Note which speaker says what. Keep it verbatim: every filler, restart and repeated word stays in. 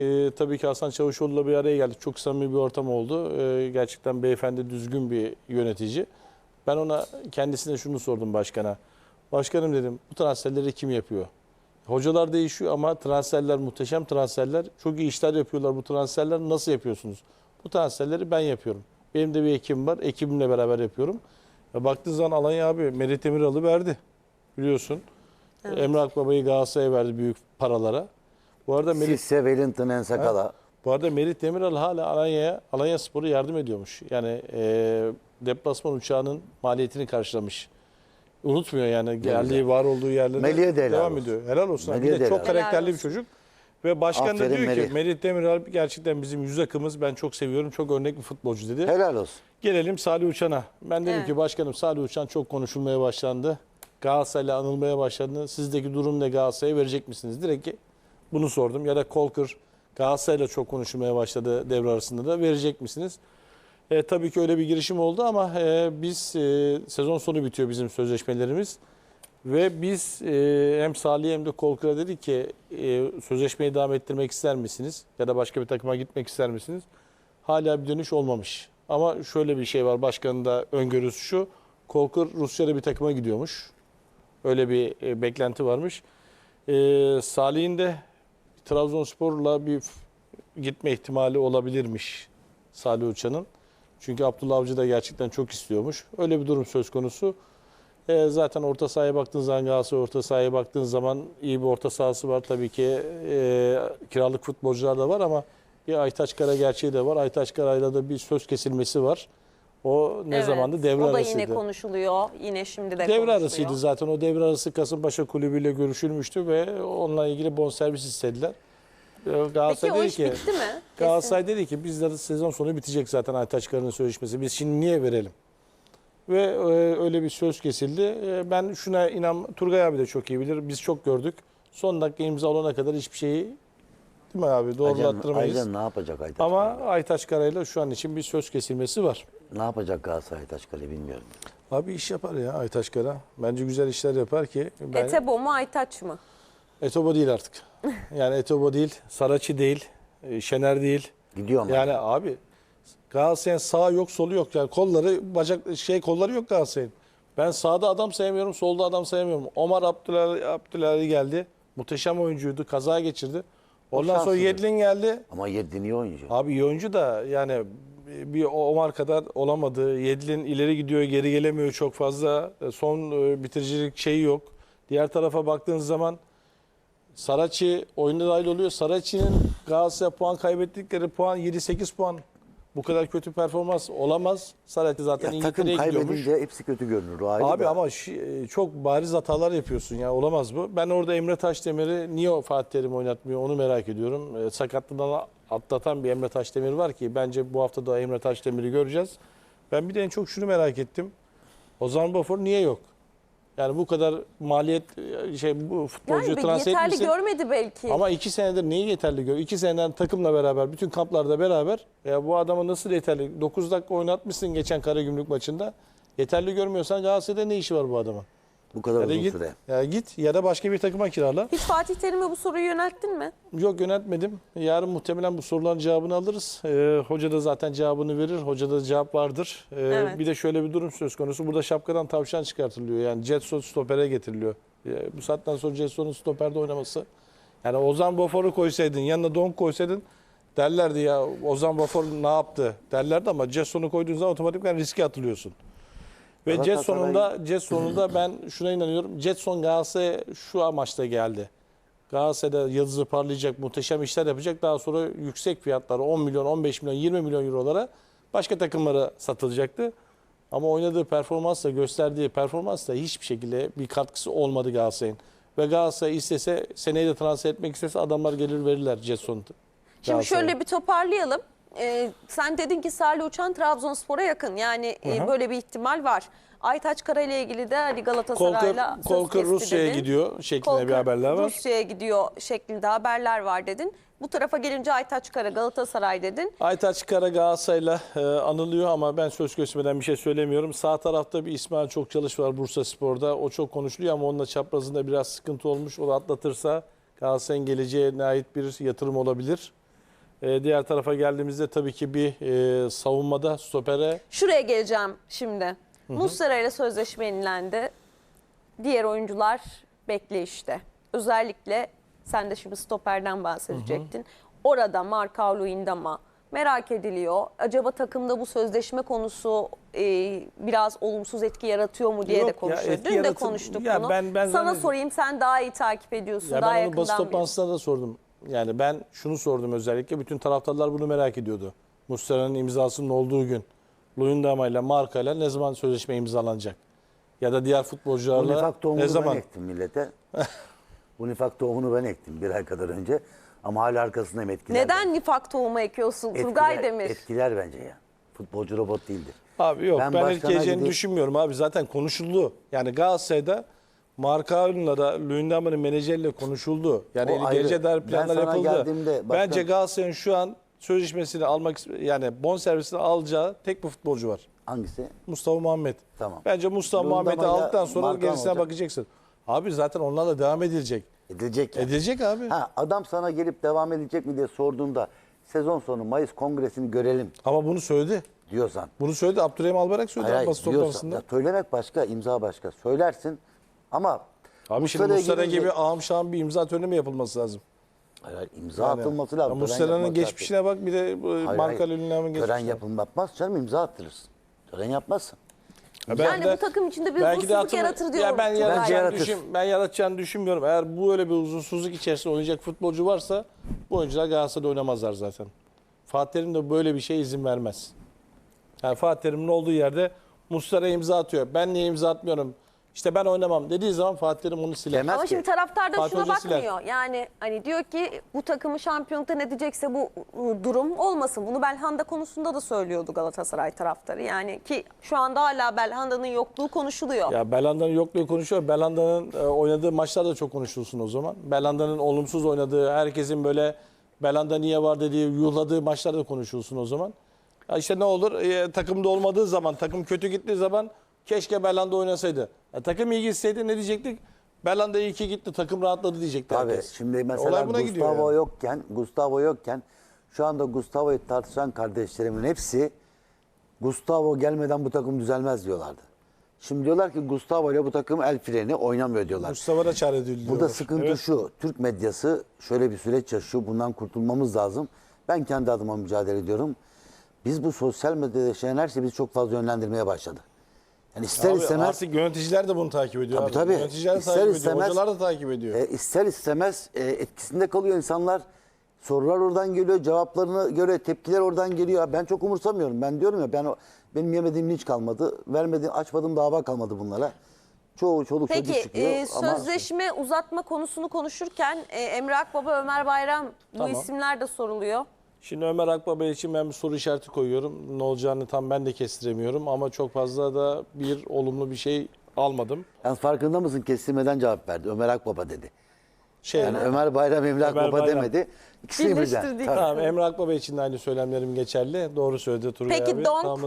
Speaker 1: Ee, tabii ki Hasan Çavuşoğlu'yla bir araya geldik. Çok samimi bir ortam oldu. Ee, gerçekten beyefendi, düzgün bir yönetici. Ben ona kendisine şunu sordum başkana. Başkanım dedim, bu transferleri kim yapıyor? Hocalar değişiyor ama transferler muhteşem transferler. Çok iyi işler yapıyorlar bu transferler. Nasıl yapıyorsunuz? Bu transferleri ben yapıyorum. Benim de bir ekibim var. Ekibimle beraber yapıyorum. Ve baktığın zaman Alanya abi Merit Demiral'ı verdi. Biliyorsun.
Speaker 2: Evet.
Speaker 1: Emre Akbaba'yı Galatasaray'a verdi büyük paralara. Bu arada Merit,
Speaker 3: Sisse, Wellington, Ensakala.
Speaker 1: bu arada Merit Demiral hala Alanya'ya, Alanya Spor'a yardım ediyormuş. Yani e, deplasman uçağının maliyetini karşılamış. Unutmuyor yani geldiği, var olduğu yerlere
Speaker 3: Melih'e de helal
Speaker 1: devam
Speaker 3: olsun.
Speaker 1: ediyor. Helal olsun.
Speaker 3: Melih'e
Speaker 1: Bir de
Speaker 3: de
Speaker 1: çok
Speaker 3: helal
Speaker 1: karakterli bir
Speaker 2: olsun.
Speaker 1: çocuk. Ve başkan da
Speaker 3: Aferin
Speaker 1: diyor
Speaker 3: Melih.
Speaker 1: ki Merit Demiral gerçekten bizim yüz akımız. Ben çok seviyorum. Çok örnek bir futbolcu dedi.
Speaker 3: Helal olsun.
Speaker 1: Gelelim Salih Uçan'a. Ben dedim
Speaker 2: Evet.
Speaker 1: ki başkanım Salih Uçan çok konuşulmaya başlandı. Galatasaray'la anılmaya başlandı. Sizdeki durum ne, Galatasaray'a verecek misiniz? Direkt bunu sordum. Ya da Kolkır Galatasaray'la çok konuşulmaya başladı devre arasında da, verecek misiniz? E, tabii ki öyle bir girişim oldu ama e, biz e, sezon sonu bitiyor bizim sözleşmelerimiz. Ve biz e, hem Salih hem de Kolkır'a dedik ki e, sözleşmeyi devam ettirmek ister misiniz? Ya da başka bir takıma gitmek ister misiniz? Hala bir dönüş olmamış. Ama şöyle bir şey var, başkanın da öngörüsü şu. Kolkır Rusya'da bir takıma gidiyormuş. Öyle bir e, beklenti varmış. E, Salih'in de Trabzonspor'la bir f- gitme ihtimali olabilirmiş Salih Uçan'ın. Çünkü Abdullah Avcı da gerçekten çok istiyormuş. Öyle bir durum söz konusu. E, zaten orta sahaya baktığın zaman, Galatasaray orta sahaya baktığın zaman iyi bir orta sahası var. Tabii ki e, kiralık futbolcular da var ama bir Aytaç Kara gerçeği de var. Aytaç Kara'yla da bir söz kesilmesi var. O ne
Speaker 2: Evet.
Speaker 1: zamandı? Devre
Speaker 2: O da
Speaker 1: arasıydı.
Speaker 2: yine konuşuluyor. Yine şimdi de
Speaker 1: Devre
Speaker 2: konuşuluyor.
Speaker 1: arasıydı zaten. O devre arası Kasımpaşa kulübüyle görüşülmüştü ve onunla ilgili bonservis istediler. Ee, Galatasaray
Speaker 2: Peki o
Speaker 1: dedi
Speaker 2: iş
Speaker 1: ki,
Speaker 2: bitti mi?
Speaker 1: Galatasaray dedi ki bizde sezon sonu bitecek zaten Aytaç Kara'nın sözleşmesi. Biz şimdi niye verelim? Ve e, öyle bir söz kesildi. E, ben şuna inan, Turgay abi de çok iyi bilir. Biz çok gördük. Son dakika imza olana kadar hiçbir şeyi, değil mi abi, doğrulattırmayız.
Speaker 3: Aycan ne yapacak Aytaç?
Speaker 1: Ama
Speaker 3: Kale?
Speaker 1: Aytaç Kara'yla şu an için bir söz kesilmesi var.
Speaker 3: Ne yapacak Galatasaray Aytaç Kale bilmiyorum.
Speaker 1: Abi iş yapar ya Aytaç Kara. Bence güzel işler yapar ki. Ben...
Speaker 2: Etebo mu Aytaç mı?
Speaker 1: Etobo değil artık. Yani Etobo değil, Saraçi değil, e, Şener değil.
Speaker 3: Gidiyor mu?
Speaker 1: Yani abi Galatasaray'ın sağ yok, solu yok. Yani kolları, bacak şey kolları yok Galatasaray'ın. Ben sağda adam sayamıyorum, solda adam sayamıyorum. Omar Abdülhali, Abdülhali geldi. Muhteşem oyuncuydu. Kaza geçirdi. Ondan sonra
Speaker 3: şanssızdır.
Speaker 1: Yedlin geldi.
Speaker 3: Ama Yedlin iyi oyuncu.
Speaker 1: Abi iyi oyuncu da yani bir Omar kadar olamadı. Yedlin ileri gidiyor, geri gelemiyor çok fazla. Son e, bitiricilik şeyi yok. Diğer tarafa baktığınız zaman Saraçi oyunda dahil oluyor. Saraçi'nin Galatasaray puan kaybettikleri puan yedi sekiz puan. Bu kadar kötü performans olamaz. Saraçi zaten
Speaker 3: Ya takım
Speaker 1: İngiltere'ye gidiyormuş.
Speaker 3: kaybedince hepsi kötü görünür. O ayrı
Speaker 1: Abi
Speaker 3: da.
Speaker 1: ama şi- çok bariz hatalar yapıyorsun ya, olamaz bu. Ben orada Emre Taşdemir'i niye o Fatih Terim oynatmıyor onu merak ediyorum. E, sakatlığından atlatan bir Emre Taşdemir var ki bence bu hafta da Emre Taşdemir'i göreceğiz. Ben bir de en çok şunu merak ettim. Ozan Bafor niye yok? Yani bu kadar maliyet şey bu futbolcuyu
Speaker 2: Yani bir
Speaker 1: transfer
Speaker 2: yeterli
Speaker 1: etmişsin.
Speaker 2: görmedi belki.
Speaker 1: Ama iki senedir neyi yeterli gör? İki seneden takımla beraber, bütün kamplarda beraber. Ya bu adamı nasıl yeterli? dokuz dakika oynatmışsın geçen Karagümrük maçında. Yeterli görmüyorsan Galatasaray'da ne işi var bu adamın?
Speaker 3: Bu kadar
Speaker 1: Ya da
Speaker 3: uzun
Speaker 1: git,
Speaker 3: süre.
Speaker 1: ya git ya da başka bir takıma kirala.
Speaker 2: Hiç Fatih Terim'e bu soruyu yönelttin mi?
Speaker 1: Yok, yöneltmedim. Yarın muhtemelen bu soruların cevabını alırız. Ee, hoca da zaten cevabını verir. Hocada da cevap vardır. Ee,
Speaker 2: Evet.
Speaker 1: Bir de şöyle bir durum söz konusu. Burada şapkadan tavşan çıkartılıyor. Yani Jetson stopere getiriliyor. Ee, bu saatten sonra Jetson'un stoperde oynaması. Yani Ozan Bafor'u koysaydın, yanına Donk koysaydın derlerdi ya Ozan Bafor ne yaptı derlerdi ama Jetson'u koyduğun zaman otomatikman riske atılıyorsun. Ve
Speaker 3: Galatasaray-
Speaker 1: Jetson'unda Jetson'unda ben şuna inanıyorum. Jetson Galatasaray'a şu amaçla geldi. Galatasaray'da yıldızı parlayacak, muhteşem işler yapacak. Daha sonra yüksek fiyatlara on milyon, on beş milyon, yirmi milyon eurolara başka takımlara satılacaktı. Ama oynadığı performansla, gösterdiği performansla hiçbir şekilde bir katkısı olmadı Galatasaray'ın. Ve Galatasaray istese, seneye de transfer etmek istese adamlar gelir verirler Jetson'u.
Speaker 2: Şimdi şöyle bir toparlayalım. Ee, sen dedin ki Salih Uçan Trabzonspor'a yakın. Yani e,
Speaker 1: Hı hı.
Speaker 2: böyle bir ihtimal var. Aytaç Kara ile ilgili de hani Galatasaray'la
Speaker 1: Kolkır,
Speaker 2: söz
Speaker 1: Kolkır
Speaker 2: kesti
Speaker 1: Rusya'ya
Speaker 2: dedin.
Speaker 1: gidiyor şeklinde
Speaker 2: Kolkır
Speaker 1: bir haberler var.
Speaker 2: Rusya'ya gidiyor şeklinde haberler var dedin. Bu tarafa gelince Aytaç Kara Galatasaray dedin.
Speaker 1: Aytaç Kara Galatasaray'la e, anılıyor ama ben söz kesmeden bir şey söylemiyorum. Sağ tarafta bir İsmail Çokçalış var Bursaspor'da. O çok konuşuluyor ama onunla çaprazında biraz sıkıntı olmuş. O da atlatırsa Galatasaray'ın geleceğine ait bir yatırım olabilir. E, diğer tarafa geldiğimizde tabii ki bir e, savunmada stopere
Speaker 2: Şuraya geleceğim şimdi. Muslera ile sözleşme yenilendi. Diğer oyuncular bekleyişte. Özellikle sen de şimdi stoperden bahsedecektin. Orada Marcao Luyendama merak ediliyor. Acaba takımda bu sözleşme konusu e, biraz olumsuz etki yaratıyor mu diye
Speaker 1: Yok
Speaker 2: de
Speaker 1: ya,
Speaker 2: konuşuyor.
Speaker 1: etki
Speaker 2: Dün de
Speaker 1: yaratır-
Speaker 2: konuştuk
Speaker 1: Ya
Speaker 2: bunu.
Speaker 1: ben- ben
Speaker 2: Sana
Speaker 1: zannediyorum.
Speaker 2: sorayım, sen daha iyi takip ediyorsun.
Speaker 1: Ya
Speaker 2: daha
Speaker 1: ben onu basın
Speaker 2: yakından biliyorsun.
Speaker 1: toplantısında da sordum. Yani ben şunu sordum özellikle. Bütün taraftarlar bunu merak ediyordu. Muslera'nın imzasının olduğu gün Luyendama ile Marka ile ne zaman sözleşme imzalanacak? Ya da diğer futbolcularla
Speaker 3: Unifak
Speaker 1: ne
Speaker 3: tohumunu ben
Speaker 1: zaman?
Speaker 3: ektim millete. Unifak tohumunu ben ektim bir ay kadar önce. Ama hala arkasındayım, etkiler.
Speaker 2: Neden nifak tohumu ekiyorsun
Speaker 3: Etkiler,
Speaker 2: Turgay Demir?
Speaker 3: etkiler bence ya. Futbolcu robot değildir.
Speaker 1: Abi yok ben,
Speaker 3: Ben
Speaker 1: ben
Speaker 3: başkana
Speaker 1: etkileyeceğini
Speaker 3: gidip-
Speaker 1: düşünmüyorum abi. Zaten konuşuldu. Yani Galatasaray'da Markao'yla da Luyendama'nın menajeriyle konuşuldu. Yani
Speaker 3: O ayrı.
Speaker 1: geleceğe dair
Speaker 3: Ben
Speaker 1: planlar
Speaker 3: sana
Speaker 1: yapıldı.
Speaker 3: geldiğimde başkan-
Speaker 1: Bence Galatasaray'ın şu an sözleşmesini almak yani bonservisini alacağı tek bir futbolcu var.
Speaker 3: Hangisi?
Speaker 1: Mustafa Muhammed.
Speaker 3: Tamam.
Speaker 1: Bence Mustafa
Speaker 3: Luyendama'yla
Speaker 1: Muhammed'i aldıktan sonra
Speaker 3: Markan
Speaker 1: gerisine
Speaker 3: olacak.
Speaker 1: bakacaksın. Abi zaten onlarla devam edilecek.
Speaker 3: Edilecek ya.
Speaker 1: Edilecek abi.
Speaker 3: Ha, adam sana gelip devam edecek mi diye sorduğunda sezon sonu Mayıs kongresini görelim
Speaker 1: Ama bunu söyledi.
Speaker 3: diyorsan.
Speaker 1: Bunu söyledi. Abdurrahim Albayrak söyledi
Speaker 3: Hayır,
Speaker 1: basın
Speaker 3: hayır, diyorsan.
Speaker 1: toplantısında.
Speaker 3: Ya söylemek başka, imza başka. Söylersin ama
Speaker 1: Abi şimdi
Speaker 3: Muslera'ya
Speaker 1: Muslera
Speaker 3: gelince-
Speaker 1: gibi ağam şahım bir imza töreni mi yapılması lazım?
Speaker 3: Hayır, hayır, imza
Speaker 1: Yani,
Speaker 3: atılması
Speaker 1: ya
Speaker 3: lazım. tören
Speaker 1: Muslera'nın
Speaker 3: yapılması
Speaker 1: geçmişine bak bir de bu
Speaker 3: lazım. Hayır,
Speaker 1: Marka
Speaker 3: hayır.
Speaker 1: Luyendama'nın
Speaker 3: Tören
Speaker 1: geçmişine.
Speaker 3: yapılmaz canım, imza attırırsın. Tören yapmazsın.
Speaker 1: Ya ben
Speaker 2: Yani
Speaker 1: de-
Speaker 2: bu takım içinde bir
Speaker 1: belki de
Speaker 2: huzursuzluk
Speaker 1: hatırla-
Speaker 2: yaratır diyorum.
Speaker 1: Ya ben
Speaker 2: Turgay.
Speaker 3: Bence
Speaker 1: yaratacağını,
Speaker 3: yaratır.
Speaker 1: düşün, ben yaratacağını düşünmüyorum. Eğer bu öyle bir huzursuzluk içerisinde oynayacak futbolcu varsa bu oyuncular Galatasaray'da oynamazlar zaten. Fatih Terim de böyle bir şeye izin vermez. Yani Fatih Terim'in olduğu yerde Muslera imza atıyor. Ben niye imza atmıyorum? İşte ben oynamam dediği zaman Fatih Terim onu siler.
Speaker 3: Demez
Speaker 2: Ama
Speaker 3: ki.
Speaker 2: şimdi taraftar da
Speaker 1: Fatih
Speaker 2: şuna
Speaker 1: Hoca siler.
Speaker 2: bakmıyor. Yani hani diyor ki bu takımı şampiyonluktan edecekse bu ıı, durum olmasın. Bunu Belhanda konusunda da söylüyordu Galatasaray taraftarı. Yani ki şu anda hala Belhanda'nın yokluğu konuşuluyor.
Speaker 1: Ya Belanda'nın yokluğu konuşuyor. Belanda'nın e, oynadığı maçlar da çok konuşulsun o zaman. Belanda'nın olumsuz oynadığı, herkesin böyle Belanda niye var dediği, yuhladığı maçlar da konuşulsun o zaman. Ya işte ne olur? E, takımda olmadığı zaman, takım kötü gittiği zaman keşke Belanda oynasaydı. Ya, takım iyi gitseydi ne diyecektik? Belanda iyi ki gitti, takım rahatladı diyecekti
Speaker 3: Tabii
Speaker 1: herkes.
Speaker 3: şimdi mesela
Speaker 1: Olay buna gidiyor
Speaker 3: Gustavo
Speaker 1: yani.
Speaker 3: yokken, Gustavo yokken şu anda Gustavo'yu tartışan kardeşlerimin hepsi Gustavo gelmeden bu takım düzelmez diyorlardı. Şimdi diyorlar ki Gustavo ile bu takım el freni oynamıyor diyorlar.
Speaker 1: Mustafa da çare ediliyor.
Speaker 3: Burada sıkıntı şu, Türk medyası şöyle bir süreç yaşıyor, bundan kurtulmamız lazım. Ben kendi adıma mücadele ediyorum. Biz bu sosyal medyada yaşayan her şeyi bizi çok fazla yönlendirmeye başladı. Yani ister
Speaker 1: Abi
Speaker 3: istemez,
Speaker 1: artık yöneticiler de bunu takip ediyor.
Speaker 3: Tabii,
Speaker 1: abi.
Speaker 3: tabii.
Speaker 1: Yöneticiler de
Speaker 3: İster
Speaker 1: takip ediyor,
Speaker 3: istemez-
Speaker 1: hocalar da takip ediyor.
Speaker 3: e, ister istemez e, etkisinde kalıyor insanlar. Sorular oradan geliyor, cevaplarına göre tepkiler oradan geliyor. Ben çok umursamıyorum. Ben diyorum ya ben o- benim yemediğim hiç kalmadı. Vermediğim, açmadığım dava kalmadı bunlara. Çoğu çoluk çocuk
Speaker 2: Peki
Speaker 3: çıkıyor.
Speaker 2: e,
Speaker 3: ama
Speaker 2: sözleşme uzatma konusunu konuşurken e, Emre Akbaba, Ömer Bayram bu
Speaker 1: Tamam.
Speaker 2: isimler de soruluyor.
Speaker 1: Şimdi Ömer Akbaba için ben bir soru işareti koyuyorum. Ne olacağını tam ben de kestiremiyorum ama çok fazla da bir olumlu bir şey almadım.
Speaker 3: yalnız farkında mısın, kestirmeden cevap verdi. Ömer Akbaba dedi.
Speaker 1: Şey,
Speaker 3: Yani Ömer Bayram, Emre
Speaker 1: Ömer
Speaker 3: Akbaba
Speaker 1: Bayram.
Speaker 3: demedi. İkisini birden.
Speaker 2: Birleştirdik.
Speaker 3: Tabii.
Speaker 1: tamam, Emre Akbaba için de aynı söylemlerim geçerli. Doğru söyledi Turgay
Speaker 2: Peki
Speaker 1: abi.
Speaker 2: Donk
Speaker 1: Tamam.